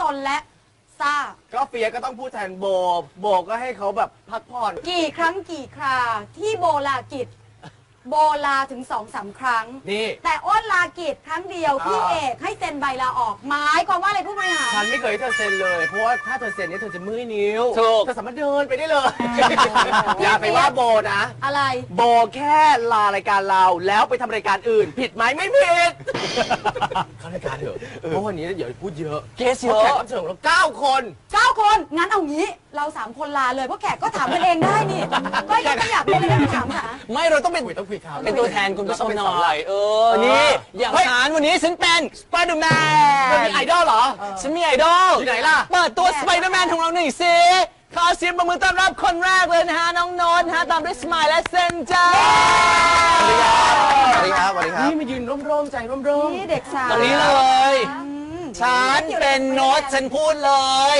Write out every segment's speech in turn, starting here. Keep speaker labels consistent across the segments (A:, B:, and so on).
A: นและซ่า
B: ก็เฟียก็ต้องพูดแทนโบก็ให้เขาแบบพักผ่อน
A: กี่ครั้งกี่คราที่โบลากิจโบลาถึง2-3 ครั้ง
B: นี่
A: แต่อ้นลากิจครั้งเดียวพี่เอกให้เซ็นใบลาออกหมายความว่าอะไรผู้บริหาร
B: ฉันไม่เคยให้เธอเซ็นเลยเพราะว่าถ้าเธอเซ็นเนี่ยเธอจะมือนิ้วเธอสามารถเดินไปได้เลยอย่าไปว่าโบนะ
A: อะไร
B: โบแค่ลารายการเราแล้วไปทำรายการอื่นผิดไหมไม่ผิดเข้ารายการเถอะเพราะวันนี้เดี๋ยวพูดเยอะเกสเยอะแขกรับเชิญของเรา9 คน
A: งั้นเอางี้เรา3 คนลาเลยเพราะแขกก็ถามกันเองได้นี่ก็ยังไม่อยากเป็นอะไรถามหา
C: ไม่เราต้องเป็นตัวแทนคุณผู้ชมหน่อยนี่อย่างฉันวันนี้ฉันเป็นสไปเดอร์แมน
B: มีไอดอลเหรอ
C: ฉันมีไอดอล
B: ที่ไหนล่ะ
C: เปิดตัวสไปเดอร์แมนของเราหน่อยสิขอเสียงปรบมือต้อนรับคนแรกเลยนะฮะน้องโน้ตฮะตามด้วยสมายและเซนจ้า
B: สวัสดีครับนี่มายืนร่มๆใจร่ม
A: ๆนี่เด็กสาว
C: ตรงนี้เลยฉันเป็นโน้ตฉันพูดเลย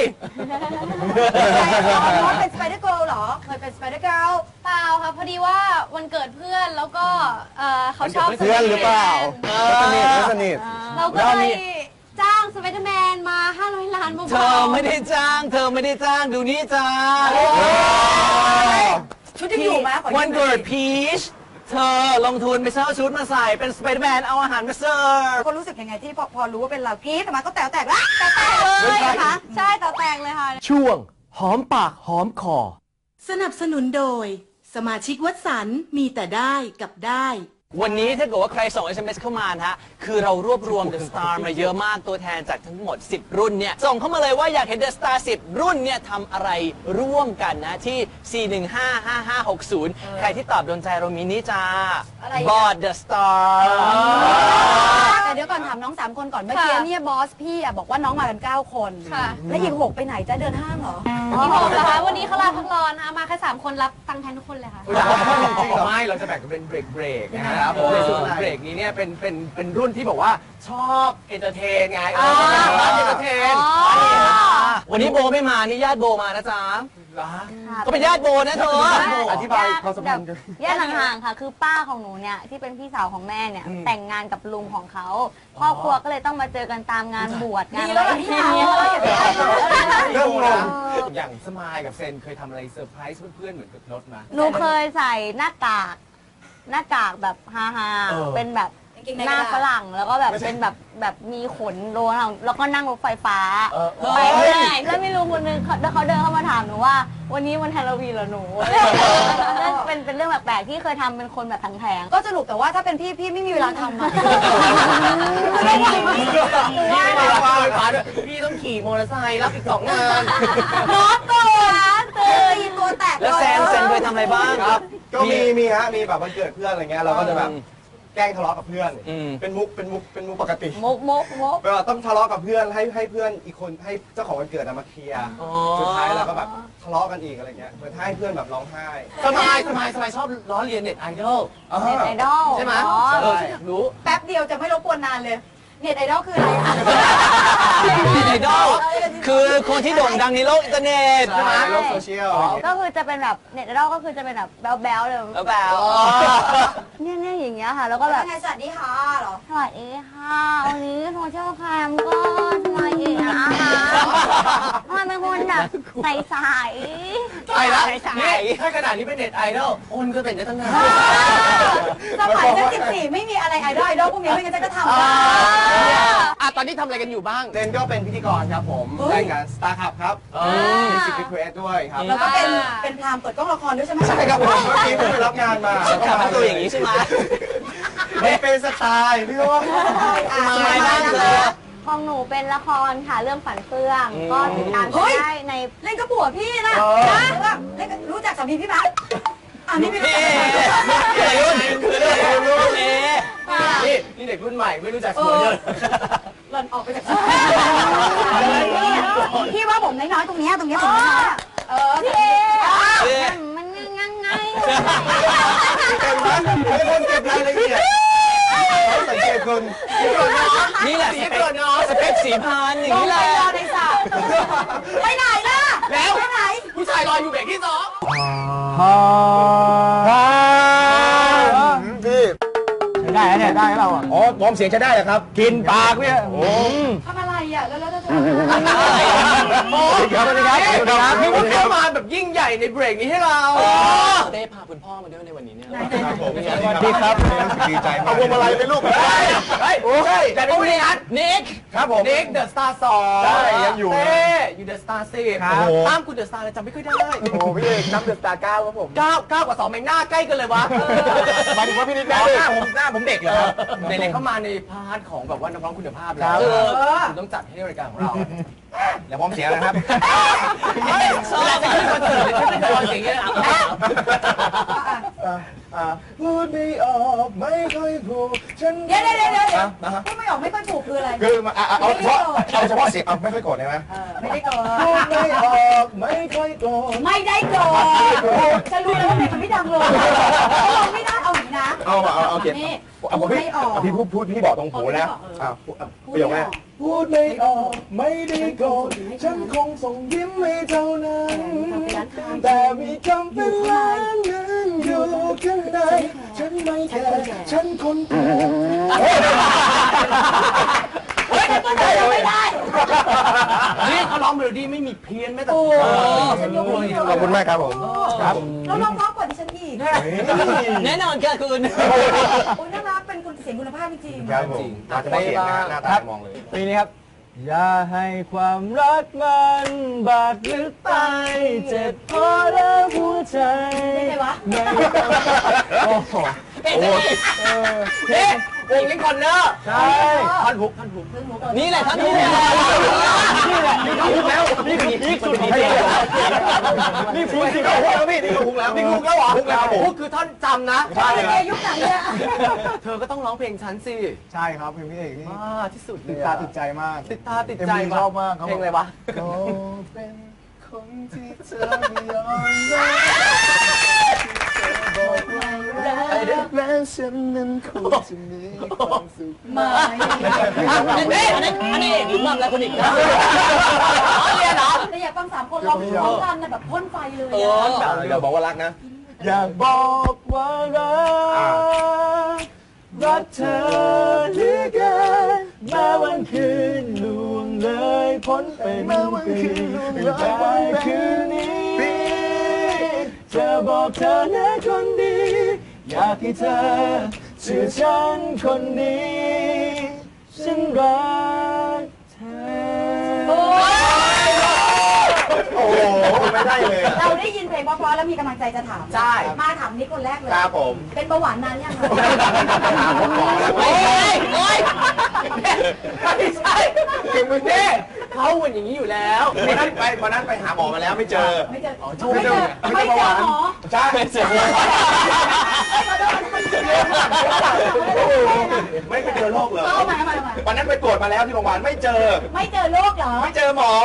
A: โน้ตเป็นสไปเดอร์เกิร์ลเหรอเคยเป็นสไปเดอร์เกิร์ล
D: เปล่าค่ะพอดีว่าวันเกิดเพื่อนแล้วก็เขาชอบ
B: เพื่อนหรือเปล่าสนิท
D: เราก็เลยจ้างสไปเดอร์แมนมา500 ล้านเบาๆ
C: เธอไม่ได้จ้างดูนี่จ้า
A: ชุดที่อยู่มา
C: วันเกิดพีชเธอลงทุนไปเช่าชุดมาใส่เป็นสไปเดอร์แมนเอาอาหารมาเสิร์ฟ
A: คนรู้สึกยังไงที่พอรู้ว่าเป็นเรากรี๊ดออกมาก็แตกละ
D: แตกเลยค่ะใช่แตกเลยค่ะ
B: ช่วงหอมปากหอมคอ
E: สนับสนุนโดยสมาชิกวัดสันมีแต่ได้กับได้
C: วันนี้ถ้าเกิดว่าใครส่ง SMS เข้ามานะฮะคือเรารวบรวม The Star มาเยอะมากตัวแทนจากทั้งหมด10 รุ่นเนี่ยส่งเข้ามาเลยว่าอยากเห็น The Star 10 รุ่นเนี่ยทำอะไรร่วมกันนะที่ 4155560 ใครที่ตอบโดนใจเรามีนี่จ้าบอร์ด The Star
A: แต่เดี๋ยวก่อนถามน้อง3 คนก่อนเมื่อกี้เนี่ยบอสพี่บอกว่าน้องมากัน9 คนและอีก6ไปไหนจะเดินห้างเหรอ
D: อีก6เหรอคะวันนี้เขาลาพักร้อนนะคะมาแค่3 คนรับตังค์แทนทุกคนเลยค่ะ
B: ไม่เราจะแบ่งกันเป็นเบรกนะครับในส่วนเบรกนี้เนี่ยเป็นรุ่นที่บอกว่าชอบเอนเตอร์เทนไงเอนเตอร์เทน
C: วันนี้โบไม่มานี่ญาติโบมานะจ๊ะก็เป็นญาติโบนะเธอ
B: อธิบายความสัมพันธ์กัน
D: ญาติห่างๆค่ะคือป้าของหนูเนี่ยที่เป็นพี่สาวของแม่เนี่ยแต่งงานกับลุงของเขาครอบครัวก็เลยต้องมาเจอกันตามงานบวชงานอะไรที่นี่
B: เริ่มงงอย่างสมายกับเซนเคยทำอะไรเซอร์ไพรส์เพื่อนๆเหมือนกับโน้ตมา
D: หนูเคยใส่หน้ากากแบบฮาๆเป็นแบบหน้าฝรั่งแล้วก็แบบเป็นแบบมีขนโลนแล้วก็นั่งรถไฟฟ้าไปเรื่อยแล้วไม่รู้คนนึงเขาเดินเข้ามาถามหนูว่าวันนี้วันฮาโลวีนเหรอหนูเป็นเรื่องแปลกๆที่เคยทำเป็นคนแบบแผง
A: ก็สรุปแต่ว่าถ้าเป็นพี่ไม่มีเวลาทำ
B: พี่ต้องขี่มอเตอร์ไซค์รับอีก2 งาน
A: น้องตัวแตก
C: แล้วแซนเคยทำอะไรบ้าง
F: ครับก็มีแบบวันเกิดเพื่อนอะไรเงี้ยเราก็จะแบบแกล้งทะเลาะกับเพื่อนเป็นมุกปกติ
D: มุก
F: ต้องทะเลาะกับเพื่อนให้เพื่อนอีกคนให้เจ้าของวันเกิดมาเคลียร์สุดท้ายเราก็แบบทะเลาะกันอีกอะไรเงี้ยเหมือนให้เพื่อนแบบร้องไห้
B: สมายชอบล้อเลียนเน็ตไอดอลใช่ไหมรู้
A: แป๊บเดียวจะไม่รบกวนนานเลยเน็ตไอดอลคืออะไรคะ
C: เน็ตไอดอลคือคนที่โด่งดังในโลกอินเทอร์เน็ต
F: ใช่ไหมโลกโซเชียล
D: ก็คือจะเป็นแบบเน็ตไอดอลก็คือจะเป็นแบบแบ๊วเลย
C: แบ๊ว
D: เนี่ยอย่างเงี้ยค่ะแล้วก็แบบ
A: สวัสดีค่ะหรอ
D: สวัสดีค่ะวันนี้โทรเชื่อแคมก็ทำไมนะคะมันเป็นคนแบบใส
B: ไปแล้วนี่ถ้าขนาดนี้เป็นเน็ตไอดอลอ้นก็เป็นได้ตั้งนาน
A: สมัยนั้น14ไม่มีอะไรไอดอลพวกนี้ไม่งั้นจะทำ
B: ตอนนี้ทำอะไรกันอยู่บ้าง
F: เซนก็เป็นพิธีกรครับผมรายการ Star Cup ครับมีสิบรีเควสด้วยครับ
A: แล้วก็เป็นพรามเปิดกล้องละครด้วยใช่ไหม
F: ใช่ครับผมเมื่อกี้ไปรับงานมา
C: ทำตัวอย่างนี้ใช่ไหม
F: ไม่เป็นสไตล์พี่ว่า
C: สมัยบ้างเลย
D: ของหนูเป็นละครค่ะเรื่องฝันเฟื่องก็ติดตามได้ใน
A: เล่นกับผัวพี่นะรู้จักสามีพี่ไหม
B: นี่เป็นนี่เด็กรุ่นใหม่ไม่รู้จักสวยเยอะ
A: หล่นออกไปจากพี่ว่าผมน้อยๆตรงนี้ผมน้อย
D: พี่มันงังไง
F: เป็นคนเก็บรายละเอียดสังเกตคน
C: นี่แหละสเปค4,000อย่างนี้แหละ
A: ในสระไปไหนล่ะ
B: แล้ว
A: ไปไหน
B: ผู้ชายรออยู่เบรกที่2
F: พี่
B: ได้เนี่ยได้เราอ๋อวอร์มเสียงจะได้เหรอครับกินปากเนี่ย
A: ทำอะไรอ่ะแล้ว
B: โอ้ยสวัสดีครับสวัสดีครับนี่ว่าเข้ามาแบบยิ่งใหญ่ในเบรกนี้ให้เรา
C: เต้พาคุณพ่อมาด้วยในวันนี้เนี่ย
F: ครับผม
C: สวัสดีครับ
F: ดีใจมากเอาพวงมาลัยไปลูก
B: เฮ้ยใช่แต่ไม่ได้นัด
C: นิก
F: ครับผม
B: นิกเดอะสตาร์2
F: ใช่ยังอยู่นะ
B: เต้อยู่เดอะสตาร์10
F: ครับ
B: ตามคุณเดอะสตาร์เลยจำไม่ค่อยได้
F: โอ้พี่เอกนับเดือดตา9ครับผม
B: 9กับ2แม่งหน้าใกล้กันเลยวะ
F: หมายถึงว่าพี่นิดหน้าผมเด็กเหรอครับ
B: ในๆเข้ามาในพาร์ทของแบบว่านักร้องคุณภาพ
F: ครั
B: แล้
F: บ
B: วคุณต้องจัดให้รายการของเรา
F: เดี๋ยวผมเสียนะครับ
C: ชอบ
B: เวลาจะขึ้นคอนเสิร์ตเลยฉันไม่เคยฟังเสียงอย่างนี้เลยอ่ะ
F: พูดไม่ออกไม่ค่อยพูดฉัน
A: เดี๋ยวพูดไม่ออกไม่ค่อยถูกคืออะไร
F: คือเอาเฉพาะเสียงไม่ค่อยโกรธได้ไหม
A: ไม่ได้โกรธ
F: พูดไม่ออกไม่ค่อยโกรธ
A: ไม่ได้โกรธจะรู้แล้วว่าเพลงมันไม่ดังเลยเราไม่ได้เอาอย่างนี้นะ
F: เอาเขียน
A: นี่
F: เอาพี่
A: ไม่ออก
F: พี่พูดพี่บอกตรงหูนะประโยคแรกพูดไม่ออกไม่ได้โกรธฉันคงส่งยิ้มให้เท่านั้นแต่มีคำเป็นล้านนั้นอยู่ข้างในฉันไม่แคร์ฉันคนแก่
A: ไม่ได้
B: นี่เขาร้องเมโลดี้ไม่มีเพี้ยนแม้แต่
A: ฉันยกมือ
F: ขอบคุณมากครับผมครับ
A: เราลองร้องกว่าดิฉันอีก
C: แน่นอนค่ะคุณ
A: โอ้ยน่ารักเป็นคนเสียงคุณภาพจริง
F: ครับผมอาจจะไม่เห็นนะหน้าตามองเลย
G: ปีนี้ครับ อย่าให้ความรักมันบาดลึกไปเจ็บพอแล้วหัวใจ
A: ไม่ใช่วะ
G: โอ้โห
B: เฮ้วงลิงคอนเนอร์
G: ใช่
B: ท่อนฮุก
C: นี่แหละท่านผู้ชม
G: นี่แหละนี่คือแล้วนี่คือพีคสุดของเพลงนี่พีคสุดของเพลงแล้วพี่นี่คือฮุกแล้ว
B: นี่ฮุกแล้วเหรอฮุกแล้วฮุกคือท่อนจำนะ
A: ใช่เลยยุคไหนเนี่ย
B: เธอก็ต้องร้องเพลงฉันสิ
G: ใช่ครับเพลงพี่เอกนี่
B: ที่สุดเล
G: ติด
B: ย
G: ตาติดใจมาก
B: ติดตาติดใจ
G: ชอบมาก
B: เพลงอะไรวะ
G: ก็เป็นคนที่เธอไม่ยอมรับแล้วฉันนั้นคงจะมีความสุข
A: ไม่
C: อันนี้หรือมั่งแล้วคนอีกนะ
B: เรียนเหรอ
A: แต่อยากฟัง3 คนร้องพร้อมกันแบบพ่นไฟเลย
F: เดี๋ยวบอกว่ารักนะ
G: อยากบอกว่ารักเธอเหลือเกินแม้วันคืนล่วงเลยพ้นเป็นปีแต่คืนนี้จะบอกเธอนะคนดี อยากให้เธอเชื่อฉันคนนี้ ฉันรักเธอ
F: โอ้โหไม่ได้เลย
A: เราได้ยินเพลงเพราะๆแล้วมีกำลังใจจะถาม
B: ใช่
A: มาถามนิกคนแรกเลย
F: ครับผม
A: เป็นเบาหวานนานยังคะ
B: โอ้ยไม่ใช่คือมึงเนี่ยเขาเหมือนอย่างนี้อยู่แล้ว
F: วันนั้นไปหาหมอมาแล้วไม่เจอ
A: ไม่เจอ
F: ไม่เจอ
A: ไม่เจอหมอ
F: ใช่ไม่เจอไม่ไปเจอโรคเลย
A: เอามา
F: วันนั้นไปตรวจมาแล้วที่โรงพยาบาลไม่เจอ
A: ไม่เจอโรคเหรอ
F: ไม่เจอหมอ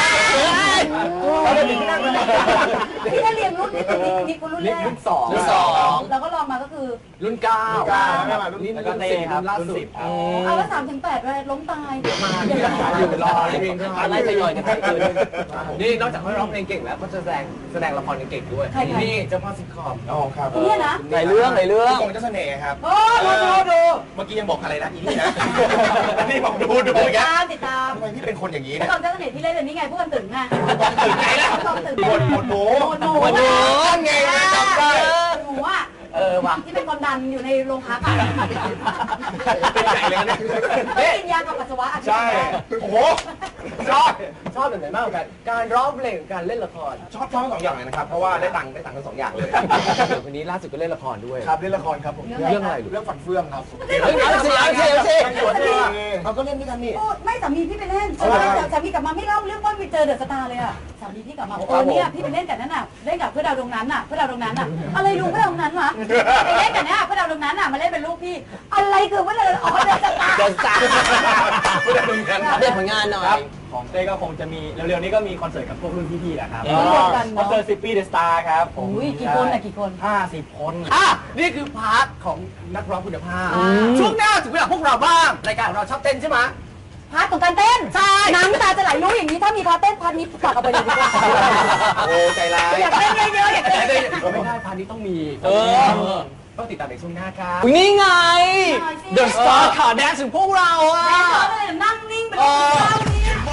A: พี่ได้เรียนรุ่นนี่คุณรุ่นแรก
B: รุ่นสอง
A: แล้วก็ลองมาก็คือ
B: รุ่นเก้า
F: นี่
B: แล้วก็เต้ครับล่าสุด
A: เอาแล้ว3 ถึง 8เลยล้มตาย
B: อยู่รอเพลงอะไรจะย่อยกันไปนี่นอกจากเขาร้องเพลงเก่งแล้วเขาจะแสดงละครเก่งด้วยนี่เจ้าพ่อซิทคอม
F: อ๋อครับ
A: เนี่ยนะ
C: ในเรื่อง
F: กงเจ้าเสน่ห์ครับ
A: โอ้ดู
F: เมื่อกี้ยังบอกอะไรนะอีนี่นะนี่บอกดูอย่างเงี้ย
A: ติดตาม
F: ทำไมพี่เป็นคนอย่างนี้
A: ผู้
F: เนี่ย
A: กำกับเจ้าเสน่ห์ที่เล่นเลยนี่ไงผู้กำกับตึงไง
F: ตื่นไงล่ะ
A: ผู้กำกับตึง
F: หมดหมู
A: หนู
F: นั่นไงจำได้
A: หนูอ่ะที่เป็นความดันอยู่ในโรงพักอ่ะ
F: เป็นใหญ่เลยนะ
A: ไม่กินยากับปัสสาวะอาทิตย์
F: ใช่โอ้โห
B: ชอบแบบไหนมากกว่ากันการร้องเพลงกับการเล่นละคร
F: ชอบทั้งสองอย่างเลยนะครับเพราะว่าได้ตังค์ทั้งสองอย่างเลย
B: วันนี้ล่าสุดก็เล่นละครด้วย
G: ครับเล่นละครครับผม
B: เรื่องอะไรลูก
G: เรื่องฝันเฟื่องครับ
C: เอาสิ
F: เราก็เล่นด้วยกันนี่
A: ไม่สามีพี่ไปเล่นสามีกลับมาไม่เล่าเรื่องว่าไปเจอเดอะสตาร์เลยอ่ะสามีพี่กลับมาเนี่ยพี่ไปเล่นกับนั่นน่ะเล่นกับเพื่อดาวดวงนั้นน่ะเพื่อดาวดวงนั้นน่ะอะไรดูเพื่อดาวดวงนั้นวะไปเล่นกับเนี่ยเพื่อดาวดวงนั้นน่ะมาเล่นเป็นลูกพี่อะไรคือเพื่อดาวอ๋อเดอะสตาร์
C: เดินสายเด็ดผลงานหน่อย
G: ของเต้ก็คงจะมีเร็วๆนี้ก็มีคอนเสิร์ตกับพวกรุ่นพี่ๆแหละครับ
A: เดียวกัน
G: คอนเสิร์ต10 ปีเดอะสตาร์ครับผม
A: อุ้ยกี่คนอ่ะกี่คน
G: 50 คน
B: นี่คือพาร์ทของนักร้องคุณภาพช่วงหน้าถึงเวลาพวกเราบ้างรายการของเราชอบเต้นใช่ไหม
A: พาร์ทของการเต้นใช่น้ำตาจะไหลรู้อย่างนี้ถ้ามีพาร์ทเต้นพาร์ทนี้ฝากเอาไปเลยดีกว่า
F: โอ้ใจร้าย
A: อยากเต้นเยอะๆอยากเต้นเยอะ
B: ไม่ได้พาร์ทนี้ต้องมีต้องติดตามในช่วงหน้าครับ
C: นี่ไง The Star ข่าวแดนถึงพวกเราอ่ะ
A: ๆนั่งนิ่งไปเลยเจ้านี้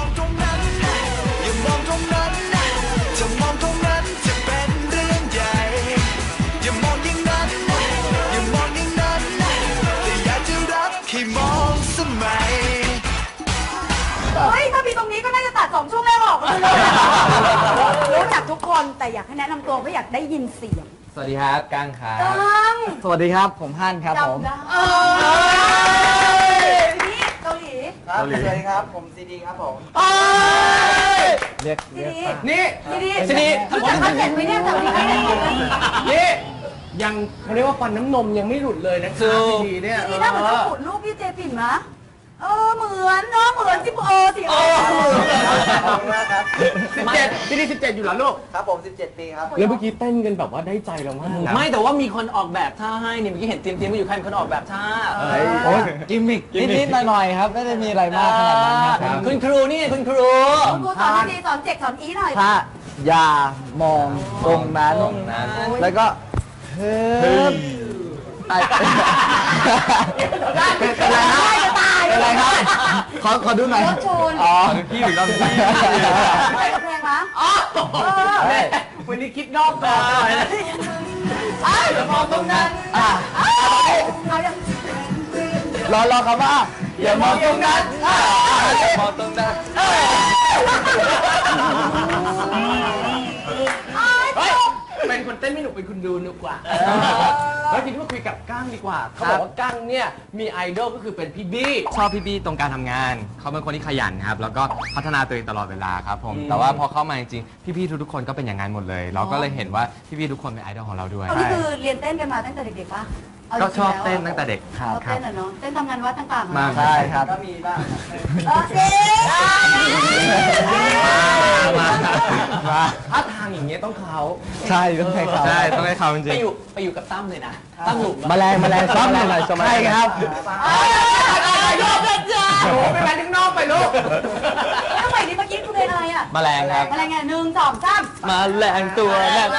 A: คนแต่อยากให้แนะนำตัวเพราะอยากได้ยินเสียง
B: สวัสดีครับกั้งครับ
A: กัง
G: สวัสดีครับผมฮั่นครับผม
A: จำได้นี่เกาหลี
G: ครับสวัสดีครับผมซีดีครับผมเรียก
A: ซีดี
B: นี่
A: ซีดีรู้จักคอนเซ็ปต์ไหมเนี่ยแต่วันนี้ไม่ได้ยินเลย
B: นี่ยังเขาเรียกว่าฟันน้ำนมยังไม่หลุดเลยนะครับดีเนี่ย
A: ซีดีถ้าเหมือนจะขุดรูปพี่เจปิ่นมะเหมือนเนาะเหมือนสิสิ
G: ขอบคุณมากครับ
B: 17ที่นี่17อยู่แล้วลูก
G: ครับผม17 ปีครับ
B: แล้วเมื่อกี้เต้นกันแบบว่าได้ใจเรามากนะ
C: ไม่แต่ว่ามีคนออกแบบท่าให้เนี่ยเมื่อกี้เห็นเตรียมๆมาอยู่ใครเป็นคนออกแบบท่า
G: โอ้ยกิมมิกนิดๆหน่อยๆครับไม่ได้มีอะไรมากขนาดนั้นครับ
C: คุณครูนี่ไงคุณครู
A: ครูสอนดีสอนเจ็กสอนอีหน่อย
G: ถ้าอย่ามองตรงนั้นแล้วก็เฮ้ยเป็นไรครับขอดูหน่อย
A: รถชน
G: อ๋อ
B: พี่หรือเราพี่
A: อะไรกับเพลงมะ
B: วันนี้คิดนอกกรอบหน่อยนะ
A: อย่ามองตรงนั้นเอาอย่าง
G: รอครับว่าอย่ามองตรงนั้นอย่ามองตรงนั้น
B: เป็นคนเต้นไม่หนุกเป็นคนดูหนุกกว่าแล้วทีนี้มาคุยกับก้างดีกว่าเขาบอกว่าก้างเนี่ยมีไอดอลก็คือเป็นพี่บี้
H: ชอบพี่บี้ตรงการทำงาน เขาเป็นคนที่ขยันครับ แล้วก็พัฒนาตัวเองตลอดเวลาครับผม แต่ว่าพอเข้ามาจริงๆ พี่ๆทุกๆคนก็เป็นอย่างนั้นหมดเลย เราก็เลยเห็นว่าพี่ๆทุกคนเป็นไอดอลของเราด้วย
A: นี่คือเรียนเต้นกันมาตั้งแต่เด็กๆป่ะ
H: ก็ชอบเต้นตั้งแต่เด็ก
A: ชอบเต้นอะเนาะเต้นทำงานวัดต่างๆ
H: มาก
G: ใช่ครับ
A: โอเค
B: ถ้าทางอย่างเงี้ยต้องเขา
G: ใช่ต้องให้เขา
H: ใช่ต้องให้เขาจริง
C: ไปอยู่กับตั้มเลยนะตั้มหลุม
G: แมลงซ้ำหน่อยใช่ครับ
A: ยอมเลยจ้า
B: โอ้ไปแมนข้างนอกไปลูก
A: ทำไมนี่เมื่อกี้คือเพลงอะไรอ่ะ
H: แมลงครับ
A: อะไรไง1 2 3
G: มาแรงตัวแรก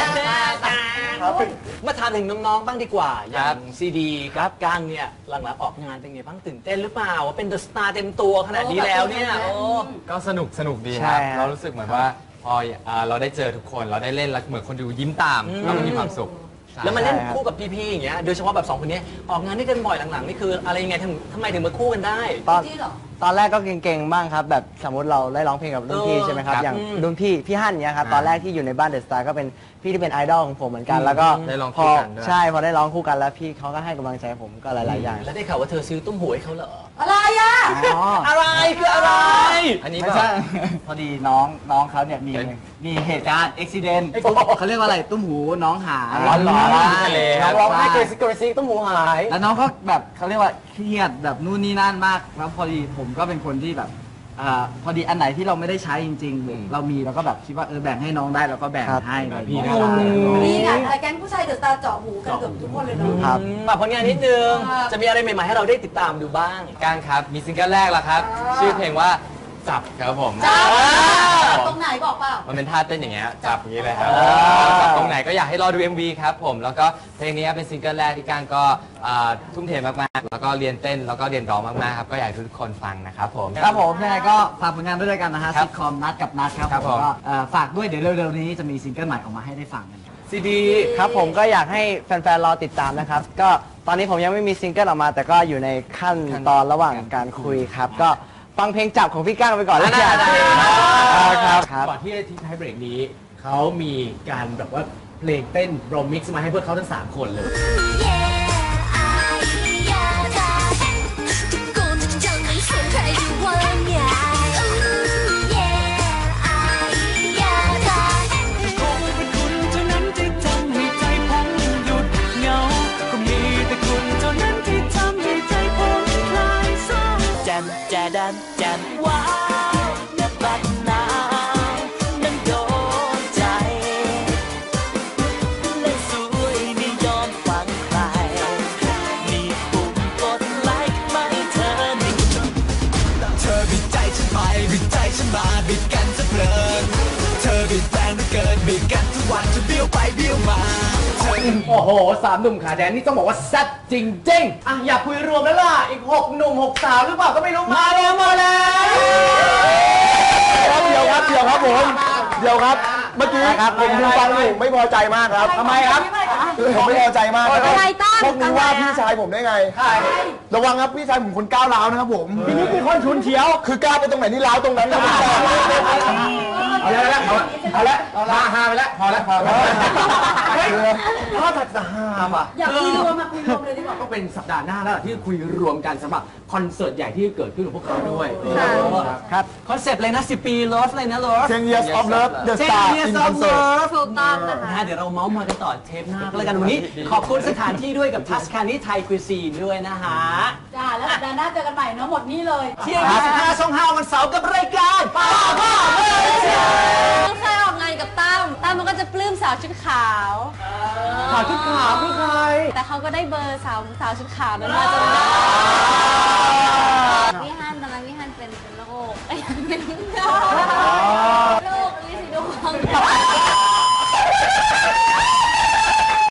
C: มาถามถึงน้องๆบ้างดีกว่าอย่างซีดีครับก้างเนี่ยหลังๆออกงานเป็นไงบ้างตื่นเต้นหรือเปล่าว่าเป็นเดอะสตาร์เต็มตัวขนาดนี้แล้วเนี่ยโอ้
H: ก็สนุกดี
G: ใช่
H: ครับ
G: ครับ
H: เรารู้สึกเหมือนว่าพอเราได้เจอทุกคนเราได้เล่นแล้วเหมือนคนดูยิ้มตามเราก็มีความสุข
C: แล้วมันเล่นคู่กับพี่ๆอย่างเงี้ยโดยเฉพาะแบบสองคนนี้ออกงานด้วยกันบ่อยหลังๆนี่คืออะไรยังไงทำไมถึงมาคู่กันได้
A: ที่เหรอ
G: ตอนแรกก็เก่งๆบ้างครับแบบสมมติเราได้ร้องเพลงกับรุ่นพี่ใช่ไหมครับ
H: ครับ
G: อย่างรุ่นพี่ฮั่นเนี่ยครับ
H: อ่า
G: ตอนแรกที่อยู่ในบ้านเดอะสตาร์ก็เป็นพี่ที่เป็นไอดอลของผมเหมือนกัน แล้วก็
H: ได้ร้อง
G: พ
H: คู่
G: อ
H: กันด้วย
G: ใช่พอได้ร้องคู่กันแล้วพี่เขาก็ให้กำลังใจผมก็หลายๆอย่าง
C: แล้วได้ข่าวว่าเธอซื้อตุ้มหูให้เขาเหรอ
A: อะไรอ่ะ
G: อ๋อ
C: อะไรคืออะไร
H: อันนี้
G: ไม่
H: แบบ
G: ใช่ พอดีน้องเขาเนี่ยมีเหตุการณ์อุบิเหตุเขาเรียกว่าอะไรตุ้มหูน้องหาย
H: ร้อนที่ทะเลครับ
B: ร้องไห้เกรซิกเกรซิกต้องหูหาย
G: แล้วน้องก็แบบเขาเรียกว่าเครียดแบบนู่นนี่นั่นมากแล้วพอดีผมก็เป็นคนที่แบบพอดีอันไหนที่เราไม่ได้ใช้จริงๆเรามีเราก็แบบคิดว่าแบ่งให้น้องได้เราก็แบ่งให้อะไรอย่างเงี้ย
A: นี่ไงแก๊งผู้ชายเดอะสตาร์เจาะหูกันเกือบทุกคนเลยเนาะ
G: ครับ
C: ฝากผลงานนิดนึง
A: ครับ
C: จะมีอะไรใหม่ๆให้เราได้ติดตามดูบ้าง
H: ก้างครับ มีซิงเกิลแรกแล้วครับ ชื่อเพลงว่าจับครับผม
A: ตรงไหนบอกเปล่า
H: มันเป็นท่าเต้นอย่างเงี้ยจับอย่างงี้เลยครับ
G: อ่า
H: จับตรงไหนก็อยากให้รอดู MV ครับผมแล้วก็เพลงนี้เป็นซิงเกิลแรกที่ก้างก็ทุ่มเทมากๆแล้วก็เรียนเต้นแล้วก็เรียนร้องมากๆครับก็อยากให้ทุกคนฟังนะครับผม
G: ครับผมยังไงก็ฝากผลงานด้วยกันนะฮะ
H: ครับ
G: ซิทคอมนัดกับนัดครับ
H: ครับ
G: ผ
H: ผม ม
G: ก็ฝากด้วยเดี๋ยวเร็วๆนี้จะมีซิงเกิลใหม่ออกมาให้ได้ฟังกัน
B: ซีดี
G: ครับผมก็อยากให้แฟนๆรอติดตามนะครับ ก็ตอนนี้ผมยังไม่มีซิงเกิลออกมา แต่ก็อยู่ในขั้นตอนระหว่างการคุยครับ ก็ฟังเพลงจับของพี่ก้างไปก่อนแล้วกันครับ
B: ก่อนที่จะทิ้งท้ายเบรกนี้ เขามีการแบบว่าเพลงเต้นโรมิกซ์มาให้พวกเขาทั้ง 3 คนเลย
I: แจดันแจมว้าวเนื้อบัดนาวนั้นโดนใจเล่นสวยไม่ยอมฟังใครมีปุ่มกดไลค์ไหมเธอนี่เธอบิดใจฉันไปบิดใจฉันมาบิดกันซะเพลินเธอบิดแรงเหลือเกินบิดกันทุกวันจะเบี้ยวไปเบี้ยวมา
B: โอ้โห3 หนุ่มขาแดนนี่ต้องบอกว่าแซ่บจริงๆอ่ะอยากคุยรวมแล้วล่ะ อีก 6 หนุ่ม 6 สาวหรือเปล่าก็ไม่รู้มาแล้ว
F: เดี๋ยวครับผมเดี๋ยวครับ เมื่อกี้ผมดูฟังอยู่ไม่พอใจมากครับ
B: ทำไมครับ
F: ผมไม่พอใจมากครับ
A: อะไรตั้ง
F: พวกนี้ว่าพี่ชายผมได้ไง ระวังครับพี่ชายผมคนก้าวร้าวนะครับผมพี่นี่คือคนชุนเฉียว คือก้าวไปตรงไหนนี่ร้าวตรงนั้นครับ
B: เอาแล้ว
F: เอาละฮาไปแล้วพอแล้ว
B: ถ้าจะฮาป่ะ
A: อยากคุยรวมมาคุยรวมเลยดีกว่า
B: ก็เป็นสัปดาห์หน้าแล้วที่คุยรวมกันสำหรับคอนเสิร์ตใหญ่ที่เกิดขึ้นของพวกเขาด้วย
C: ครับคอนเซปต์เลยนะ10 ปี Love เลยนะ Love
G: 10 years of love the
C: 10
G: star
C: years
G: in
C: of
G: concert
C: love
D: ถูกต้องนะคะ
C: เดี๋ยวเราเมาส์มากันต่อเทปหน้าก็แล้วกันวันนี้ ขอบคุณสถานที่ด้วยกับทัสคานีไทยคุยซีนด้วยนะฮะ
A: จ้าแล้วสัปดาห์หน้าเจอกันใหม่เนาะหมดนี่เลย
C: เที่ยง25ช่อง5วันเสาร์กับรายการป้าบ้าเมื่อเช้า
D: เคยออกงานกับตั้มมันก็จะปลื้มสาวชุดขาว
B: ขาวชุดขาวคือใคร
D: แต่เขาก็ได้เบอร์สาวชุดขาวนั้นมาจนได้